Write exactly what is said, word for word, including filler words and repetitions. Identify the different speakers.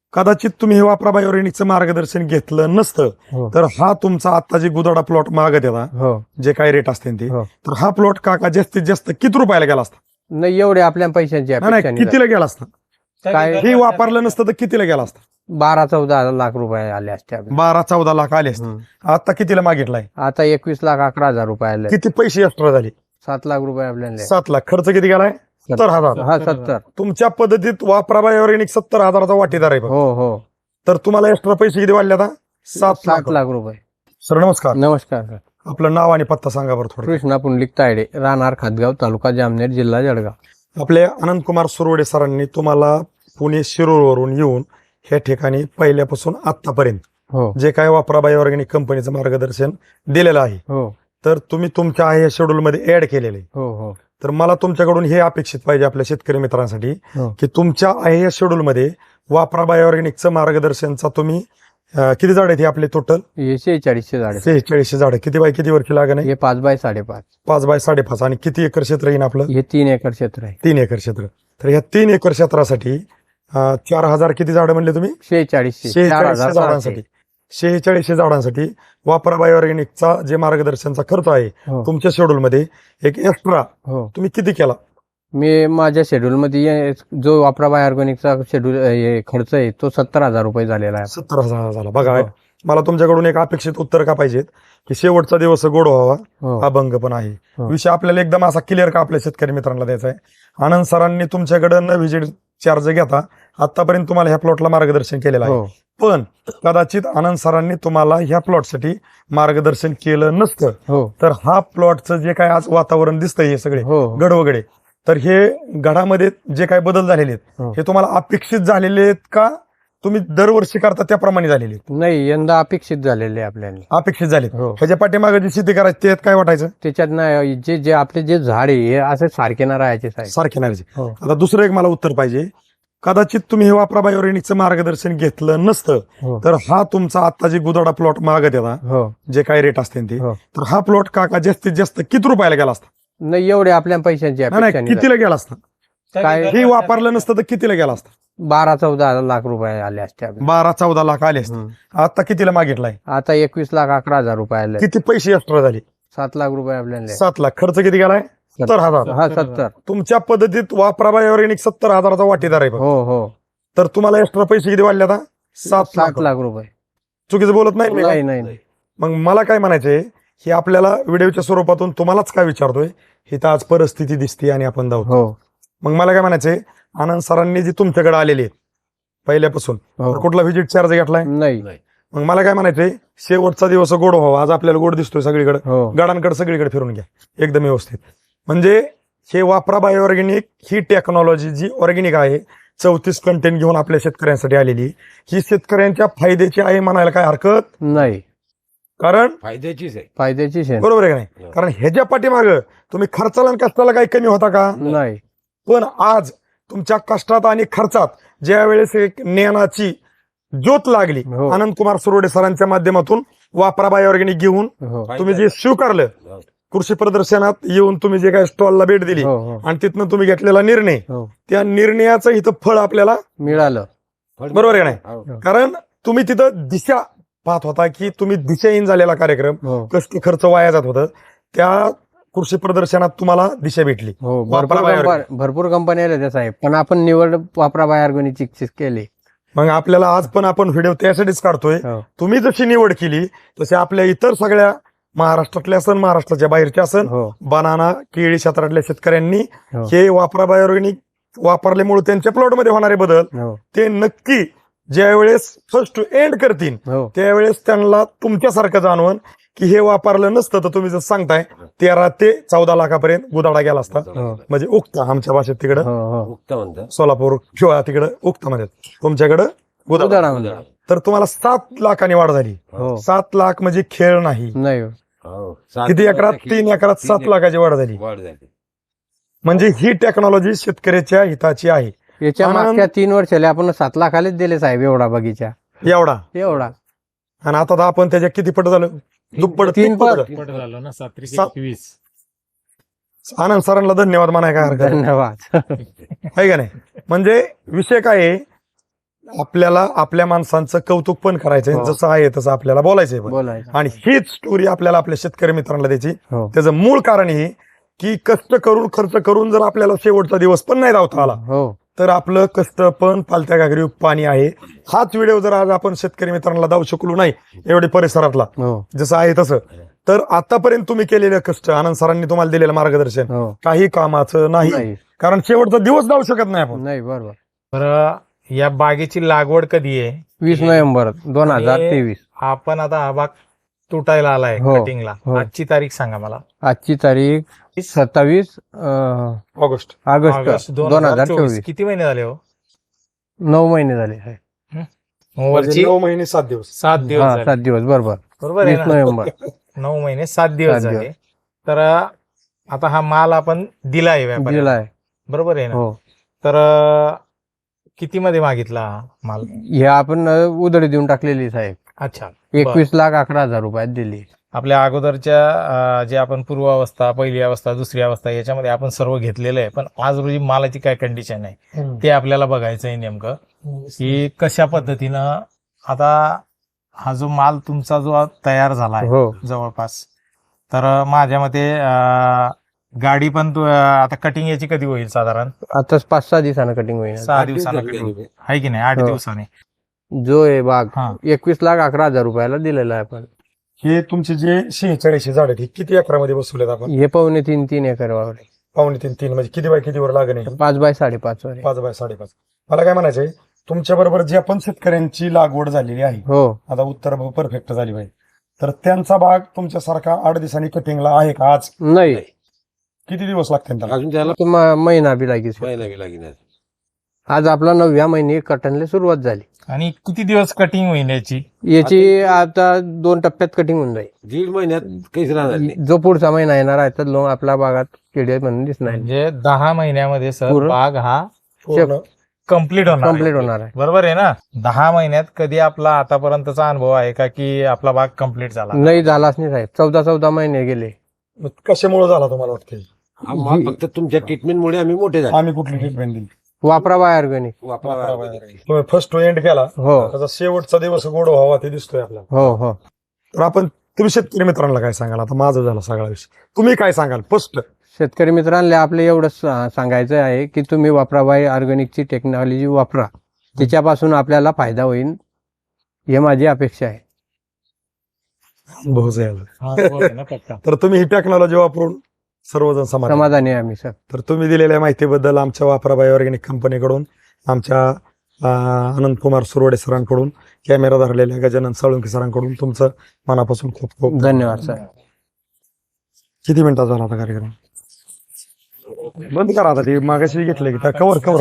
Speaker 1: कदाचित तुम्ही हे वापरा बायोरेनिकचं मार्गदर्शन घेतलं नसतं
Speaker 2: हो.
Speaker 1: तर हा तुमचा आता जे गुदाडा प्लॉट मागत येता
Speaker 2: हो
Speaker 1: जे काही रेट असते ते
Speaker 2: हो.
Speaker 1: तर हा प्लॉट काका जास्तीत जास्त किती रुपयाला गेला असता?
Speaker 2: नाही एवढे आपल्या पैशांची
Speaker 1: नाही
Speaker 2: अपेक्षा
Speaker 1: नाही,
Speaker 2: नाही.
Speaker 1: कितीला गेला असता?
Speaker 2: काय
Speaker 1: हे वापरलं नसतं तर कितीला गेला असता?
Speaker 2: बारा चौदा लाख रुपये आले असते आपल्याला.
Speaker 1: बारा चौदा लाख आले असते.
Speaker 2: हम्म.
Speaker 1: आता कितीला मागितलाय?
Speaker 2: आता एकवीस लाख अकरा हजार रुपये आले.
Speaker 1: किती पैसे एक्स्ट्रा झाले?
Speaker 2: सात लाख रुपये आपल्याला.
Speaker 1: सात लाख. खर्च किती गेलाय? सत्तर हजार.
Speaker 2: हा सत्तर.
Speaker 1: तुमच्या पद्धतीत वापरा बायोरेनिक सत्तर हजाराचा वाटेदार आहे.
Speaker 2: हो हो.
Speaker 1: तर तुम्हाला एक्स्ट्रा पैसे किती वाढले आता? सात
Speaker 2: सात
Speaker 1: लाख
Speaker 2: लाख रुपये.
Speaker 1: सर नमस्कार.
Speaker 2: नमस्कार सर.
Speaker 1: आपलं नाव आणि पत्ता सांगा बरं थोडं.
Speaker 2: कृष्णा पुंडलिक तायडे, राहणार खातगाव, तालुका जामनेर, जिल्हा जळगाव.
Speaker 1: आपले अनंतकुमार सुरवडे सरांनी तुम्हाला पुणे शिरूरवरून येऊन ह्या ठिकाणी पहिल्यापासून आतापर्यंत
Speaker 2: हो
Speaker 1: जे काय वापरा बायो ऑर्गॅनिक कंपनीचं मार्गदर्शन दिलेलं आहे
Speaker 2: हो
Speaker 1: तर तुम्ही तुमच्या आहे शेड्यूल मध्ये ऍड केलेलं आहे.
Speaker 2: हो हो
Speaker 1: तर मला तुमच्याकडून हे अपेक्षित पाहिजे आपल्या शेतकरी मित्रांसाठी
Speaker 2: हो.
Speaker 1: की तुमच्या आहे या शेड्यूल मध्ये वापरा बायो ऑर्गॅनिकचं मार्गदर्शनचा तुम्ही अं, किती झाड आहेत हे आपले टोटल?
Speaker 2: हे शेहेचाळीसशे झाडे.
Speaker 1: सेहेचाळीसशे झाड. किती बाय किती वर्षी लागण आहे?
Speaker 2: हे पाच बाय साडेपाच.
Speaker 1: पाच बाय साडेपाच. आणि किती एकर क्षेत्र येईल आपलं?
Speaker 2: हे तीन एकर क्षेत्र आहे.
Speaker 1: तीन एकर क्षेत्र. तर या तीन एकर क्षेत्रासाठी अं, चार हजार किती झाडं म्हणले तुम्ही?
Speaker 2: शेहेचाळीसशे. चार
Speaker 1: शेहेचाळीसशे
Speaker 2: हजार
Speaker 1: झाडांसाठी शेहेचाळीसशे झाडांसाठी वापरा बायो ऑर्गॅनिकचा जे मार्गदर्शनचा खर्च आहे
Speaker 2: हो
Speaker 1: तुमच्या शेड्यूल मध्ये एक एक्स्ट्रा
Speaker 2: हो.
Speaker 1: तुम्ही किती केला?
Speaker 2: मी माझ्या शेड्यूल मध्ये ये- जो वापरा बाय ऑर्गॅनिकचा शेड्यूल हे खर्च आहे तो सत्तर हजार रुपये झालेला आहे.
Speaker 1: सत्तर हजार झाला. बघा
Speaker 2: हो.
Speaker 1: मला तुमच्याकडून एक अपेक्षित उत्तर का पाहिजेत की शेवटचा दिवस गोड व्हावा,
Speaker 2: हो
Speaker 1: अभंग पण आहे.
Speaker 2: हो.
Speaker 1: विषय आपल्याला एकदम असा क्लिअर का आपल्या शेतकरी मित्रांना द्यायचा आहे. आनंद सरांनी तुमच्याकडे न व्हिजिट चार्ज घेता आतापर्यंत तुम्हाला ह्या प्लॉटला मार्गदर्शन केलेलं आहे.
Speaker 2: हो
Speaker 1: पण कदाचित आनंद सरांनी तुम्हाला ह्या प्लॉटसाठी मार्गदर्शन केलं नसतं
Speaker 2: हो
Speaker 1: तर हा प्लॉटचं जे काय आज वातावरण दिसतंय हे सगळे
Speaker 2: हो
Speaker 1: गड वगैरे तर हे गडामध्ये जे काही बदल झालेले आहेत
Speaker 2: हो.
Speaker 1: हे तुम्हाला अपेक्षित झालेले आहेत का तुम्ही दरवर्षी करता त्याप्रमाणे झालेले आहेत?
Speaker 2: नाही यंदा अपेक्षित झालेले आपल्याला.
Speaker 1: अपेक्षित झालेत.
Speaker 2: हो
Speaker 1: ह्याच्या पाठीमागे जी शेती करायची त्यात काय वाटायचं?
Speaker 2: त्याच्यात नाही जे जे आपले जे झाड आहे हे असे सारखे ना राहायचे साहेब.
Speaker 1: सारखे नाही.
Speaker 2: हो
Speaker 1: आता दुसरं एक मला उत्तर पाहिजे. कदाचित तुम्ही हे वापरा बायोरेनिकचं मार्गदर्शन घेतलं नसतं
Speaker 2: हो
Speaker 1: तर हा तुमचा आता जे गुदाडा प्लॉट मागत येता
Speaker 2: हो.
Speaker 1: जे काही रेट असते ते
Speaker 2: हो.
Speaker 1: तर हा प्लॉट काका जास्तीत जास्त किती रुपयाला गेला असता?
Speaker 2: नाही एवढे आपल्या पैशांची
Speaker 1: नाही
Speaker 2: अपेक्षा
Speaker 1: नाही,
Speaker 2: नाही.
Speaker 1: कितीला गेला असता?
Speaker 2: काय
Speaker 1: हे वापरलं नसतं तर कितीला गेला असता?
Speaker 2: बारा चौदा लाख रुपये आले असते आपल्याला.
Speaker 1: बारा चौदा लाख आले असते.
Speaker 2: हम्म.
Speaker 1: आता कितीला मागितलाय?
Speaker 2: आता एकवीस लाख अकरा हजार रुपये आले.
Speaker 1: किती पैसे एक्स्ट्रा झाले?
Speaker 2: सात लाख रुपये आपल्याला.
Speaker 1: सात लाख. खर्च किती गेलाय? सत्तर हजार.
Speaker 2: हा सत्तर.
Speaker 1: तुमच्या पद्धतीत वापरा बाय ऑर्गॅनिक सत्तर हजाराचा वाटेदार आहे.
Speaker 2: हो हो.
Speaker 1: तर तुम्हाला एक्स्ट्रा पैसे किती वाढले आता? सात
Speaker 2: सात
Speaker 1: लाख.
Speaker 2: लाख रुपये.
Speaker 1: चुकीचं बोलत नाही मी का?
Speaker 2: नाही नाही नाही.
Speaker 1: मग मला काय म्हणायचंय हे आपल्याला व्हिडिओच्या स्वरूपातून तुम्हालाच काय विचारतोय ही तर आज परिस्थिती दिसते आणि आपण जाऊ.
Speaker 2: हो
Speaker 1: मग मला काय म्हणायचंय आनंद सरांनी जी तुमच्याकडे आलेली आहेत पहिल्यापासून
Speaker 2: हो.
Speaker 1: तर कुठला व्हिजिट चार्ज घेतलाय?
Speaker 2: नाही.
Speaker 1: मग मला काय म्हणायचंय शेवटचा दिवस गोड व्हावा. आज आपल्याला गोड दिसतोय सगळीकडे.
Speaker 2: हो
Speaker 1: गडांकडे सगळीकडे फिरून घ्या एकदम व्यवस्थित. म्हणजे हे वापरा बायो ऑर्गॅनिक ही टेक्नॉलॉजी जी ऑर्गॅनिक आहे चौतीस कंटेंट घेऊन आपल्या शेतकऱ्यांसाठी आलेली ही शेतकऱ्यांच्या फायद्याची आहे म्हणायला काय हरकत
Speaker 2: नाही.
Speaker 1: कारण
Speaker 3: फायद्याचीच आहे.
Speaker 2: फायद्याची शेण
Speaker 1: बरोबर आहे का नाही? कारण ह्याच्या पाठीमागं तुम्ही खर्चाला आणि कष्टाला काही कमी होता का?
Speaker 2: नाही.
Speaker 1: पण आज तुमच्या कष्टात आणि खर्चात ज्या वेळेस एक ज्ञानाची ज्योत लागली
Speaker 2: हो.
Speaker 1: आनंद कुमार सुरोडे सरांच्या माध्यमातून वापरा बायो ऑर्गॅनिक घेऊन
Speaker 2: हो
Speaker 1: तुम्ही जे स्वीकारलं कृषी प्रदर्शनात येऊन तुम्ही जे काही स्टॉलला भेट दिली
Speaker 2: हो हो
Speaker 1: आणि तिथनं तुम्ही घेतलेला निर्णय
Speaker 2: हो
Speaker 1: त्या निर्णयाचं इथं फळ आपल्याला
Speaker 2: मिळालं.
Speaker 1: बरोबर आहे नाही?
Speaker 3: हो.
Speaker 1: कारण तुम्ही तिथं दिशा पाहत होता की तुम्ही दिशाहीन झालेला कार्यक्रम
Speaker 2: हो
Speaker 1: कष्ट खर्च वाया जात होतं त्या कृषी प्रदर्शनात तुम्हाला दिशा भेटली.
Speaker 2: हो
Speaker 1: वापरा
Speaker 2: भरपूर
Speaker 1: बाय
Speaker 2: कंपन- भरपूर कंपन्या आल्या त्या साहेब पण आपण निवड वापरा बाय ऑर्गॅनिकची केली.
Speaker 1: मग आपल्याला आज पण आपण व्हिडिओ त्यासाठीच काढतोय.
Speaker 2: हो
Speaker 1: तुम्ही जशी निवड केली तसे आपल्या इतर सगळ्या महाराष्ट्रातल्या असन महाराष्ट्राच्या बाहेरच्या असन
Speaker 2: हो
Speaker 1: बनाना केळी क्षेत्रातल्या शेतकऱ्यांनी
Speaker 2: हो
Speaker 1: हे वापरा बाय ऑर्गॅनिक वापरल्यामुळे त्यांच्या प्लॉटमध्ये होणारे बदल
Speaker 2: हो
Speaker 1: ते नक्की ज्या वेळेस फर्स्ट टू एंड करतील
Speaker 2: हो
Speaker 1: त्यावेळेस त्यांना तुमच्यासारखं जाणवण की हे वापरलं नसतं तर तुम्ही जसं सांगताय तेरा ते चौदा लाखापर्यंत गुदाडा गेला असता.
Speaker 2: हो
Speaker 1: म्हणजे उक्ता आमच्या भाषेत तिकडं
Speaker 2: हो हो
Speaker 3: उक्त म्हणतात.
Speaker 1: सोलापूर किंवा तिकडं उक्ता म्हणतात तुमच्याकडं गुदाडा.
Speaker 2: उदाहरणामध्ये.
Speaker 1: तर तुम्हाला सात लाखांनी वाढ झाली.
Speaker 2: हो
Speaker 1: सात लाख म्हणजे खेळ नाही.
Speaker 2: नाही
Speaker 3: हो. सात
Speaker 1: किती एकरात?
Speaker 3: लाखाची
Speaker 1: तीन एकरात सात
Speaker 3: तीन
Speaker 1: लाखाची वाढ झाली.
Speaker 3: वाढ झाली.
Speaker 1: म्हणजे ही टेक्नॉलॉजी शेतकऱ्याच्या हिताची आहे.
Speaker 2: याच्या
Speaker 1: आनंद-
Speaker 2: मागच्या तीन वर्षाला आपण सात लाखालेच दिले साहेब एवढा बगीचा
Speaker 1: एवढा
Speaker 2: एवढा.
Speaker 1: आणि आता तर आपण त्याच्या किती पट झालं? दुप्पट
Speaker 2: तीन
Speaker 1: तीन पट
Speaker 2: पट.
Speaker 4: पट झालं ना. सात त्रिक
Speaker 1: सात-
Speaker 4: एकवीस.
Speaker 1: आनंद सरांना धन्यवाद म्हणाय काय हरकत नाही.
Speaker 2: धन्यवाद.
Speaker 1: आहे का नाही? म्हणजे विषय काय आहे आपल्याला आपल्या माणसांचं कौतुक पण करायचंय
Speaker 2: हो.
Speaker 1: जसं आहे तसं आपल्याला बोलायचंय पण.
Speaker 2: बोलायचं.
Speaker 1: आणि हीच स्टोरी आपल्याला आपल्या शेतकरी मित्रांना द्यायची.
Speaker 2: हो
Speaker 1: त्याचं मूळ कारण हे की कष्ट करून खर्च करून जर आपल्याला शेवटचा दिवस पण नाही धावता आला
Speaker 2: हो
Speaker 1: तर आपलं कष्ट पण पालत्या घागरी पाणी आहे. हाच व्हिडिओ जर आज आपण शेतकरी मित्रांना दाऊ शकलो नाही एवढे परिसरातला
Speaker 2: हो
Speaker 1: जसं आहे तसं, तर आतापर्यंत तुम्ही केलेलं कष्ट, आनंद सरांनी तुम्हाला दिलेलं मार्गदर्शन
Speaker 2: हो
Speaker 1: काही कामाचं नाही.
Speaker 2: नाही
Speaker 1: कारण शेवटचा दिवस जाऊ शकत नाही आपण.
Speaker 2: नाही बरोबर.
Speaker 3: बरं, या बागेची लागवड कधी आहे?
Speaker 2: वीस नोव्हेंबर दोन हजार
Speaker 3: आणि
Speaker 2: तेवीस.
Speaker 3: आपण आता हा बाग तुटायला आलाय
Speaker 2: हो,
Speaker 3: कटिंगला.
Speaker 2: हो.
Speaker 3: आजची तारीख सांगा मला.
Speaker 2: आजची तारीख सत्तावीस अं,
Speaker 1: ऑगस्ट
Speaker 2: ऑगस्ट
Speaker 3: ऑगस्ट
Speaker 2: दोन हजार चोवीस.
Speaker 3: किती महिने झाले हो?
Speaker 2: नऊ महिने झाले आहे.
Speaker 1: म्हणजे
Speaker 3: वरची
Speaker 1: नऊ महिने सात दिवस.
Speaker 3: सात दिवस
Speaker 2: हा
Speaker 3: झाले.
Speaker 2: सात दिवस बरोबर.
Speaker 3: बरोबर आहे
Speaker 2: वीस
Speaker 3: ना?
Speaker 2: नोव्हेंबर.
Speaker 3: नऊ महिने सात दिवस
Speaker 2: सात
Speaker 3: झाले. तर आता हा माल आपण दिलाय व्यापाऱ्याला.
Speaker 2: दिलाय.
Speaker 3: बरोबर आहे ना?
Speaker 2: हो
Speaker 3: तर किती मध्ये मागितला हा माल?
Speaker 2: हे आपण अं, उधळी देऊन टाकलेली साहेब.
Speaker 3: अच्छा.
Speaker 2: एकवीस लाख अकरा हजार रुपयात दिली.
Speaker 3: आपल्या अगोदरच्या अं, जे आपण पूर्वावस्था, पहिली अवस्था, दुसरी अवस्था याच्यामध्ये आपण सर्व घेतलेलं आहे. पण आज रोजी मालाची काय कंडिशन आहे ते आपल्याला बघायचं आहे नेमकं, की कशा पद्धतीनं आता हा जो माल तुमचा जो तयार झाला आहे
Speaker 2: हो
Speaker 3: जवळपास, तर माझ्या मते अं, गाडी पण तू- आता कटिंग याची कधी होईल साधारण?
Speaker 2: आता पाच सहा दिवसानं कटिंग होईल.
Speaker 3: सहा दिवसानं कटिंग आहे की नाही? आठ
Speaker 2: हो.
Speaker 3: दिवसाने.
Speaker 2: जो आहे बाग
Speaker 3: हा.
Speaker 2: एकवीस लाख अकरा हजार रुपयाला दिलेला आहे आपण.
Speaker 1: हे तुमचे जे शेहेचाळीसशे झाड आहेत हे किती एकरामध्ये बसवलेत आपण?
Speaker 2: हे पावणे तीन तीन एकर वावर आहे.
Speaker 1: पावणे तीन तीन म्हणजे किती बाय कितीवर लागण आहे?
Speaker 2: पाच बाय साडेपाच वर आहे.
Speaker 1: पाच बाय साडेपाच. मला काय म्हणायचंय, तुमच्या बरोबर जी आपण शेतकऱ्यांची लागवड झालेली आहे,
Speaker 2: हो
Speaker 1: आता उत्तर परफेक्ट झाली पाहिजे, तर त्यांचा भाग तुमच्यासारखा आठ दिवसांनी कटिंगला आहे का? आज
Speaker 2: नाही
Speaker 1: किती दिवस लागतील त्याला?
Speaker 4: अजून त्याला
Speaker 2: तो म- महिना बी लागेल.
Speaker 4: महिना बी लागेल.
Speaker 2: आज आपला नवव्या महिने कटनला सुरुवात झाली.
Speaker 3: आणि किती दिवस कटिंग होईल याची?
Speaker 2: याची आता दोन टप्प्यात कटिंग होऊन जाईल.
Speaker 4: दीड महिन्यात काहीच राहणार नाही.
Speaker 2: जो पुढचा महिना येणार आहे तर लो आपल्या बागात किडे म्हणून दिसणार
Speaker 3: म्हणजे दहा महिन्यामध्ये सर
Speaker 2: पूर्ण-
Speaker 3: बाग हा
Speaker 1: पूर्ण
Speaker 3: कम्प्लीट होणार आहे.
Speaker 2: कम्प्लीट होणार आहे.
Speaker 3: बरोबर आहे ना? दहा महिन्यात कधी आपला आतापर्यंतचा अनुभव आहे का की आपला बाग कम्प्लीट झाला?
Speaker 2: नाही झालाच नाही साहेब. चौदा चौदा महिने गेले.
Speaker 1: मग कशामुळे झाला तुम्हाला वाटते?
Speaker 4: हा माल फक्त तुमच्या ट्रीटमेंटमुळे आम्ही मोठे झाले.
Speaker 1: आम्ही कुठली ट्रीटमेंट दिली?
Speaker 2: वापरा बाय ऑर्गॅनिक.
Speaker 4: वापरा.
Speaker 1: तुम्ही फर्स्ट टू एंड केला,
Speaker 2: हो
Speaker 1: त्याचा शेवटचा दिवस गोड व्हावा ते दिसतोय आपल्याला.
Speaker 2: हो हो
Speaker 1: तर आपण तुम्ही शेतकरी मित्रांना काय सांगाल? आता माझं झालं सगळा विषय, तुम्ही काय सांगाल फर्स्ट?
Speaker 2: शेतकरी मित्रांना आपलं एवढंच सा- सांगायचं आहे की तुम्ही वापरा बाय ऑर्गॅनिकची टेक्नॉलॉजी वापरा. त्याच्यापासून आपल्याला फायदा होईल हे माझी अपेक्षा आहे.
Speaker 1: बहुत झालं.
Speaker 3: हा, बरोबर आहे ना, पक्का.
Speaker 1: तर तुम्ही ही टेक्नॉलॉजी वापरून सर्वजण समाधानी?
Speaker 2: समाधानी आहे आम्ही सर.
Speaker 1: तर तुम्ही दिलेल्या माहितीबद्दल आमच्या वापरा बाय ऑर्गॅनिक कंपनीकडून, आमच्या अं, आनंद कुमार सुरवडे सरांकडून, कॅमेरा धरलेल्या गजानन साळुंके सरांकडून तुमचं मनापासून खूप खूप
Speaker 2: धन्यवाद सर.
Speaker 1: किती मिनिटाचा झाला आता कार्यक्रम? बंद करा आता, ते मागाशी घेतलं की कवर कवर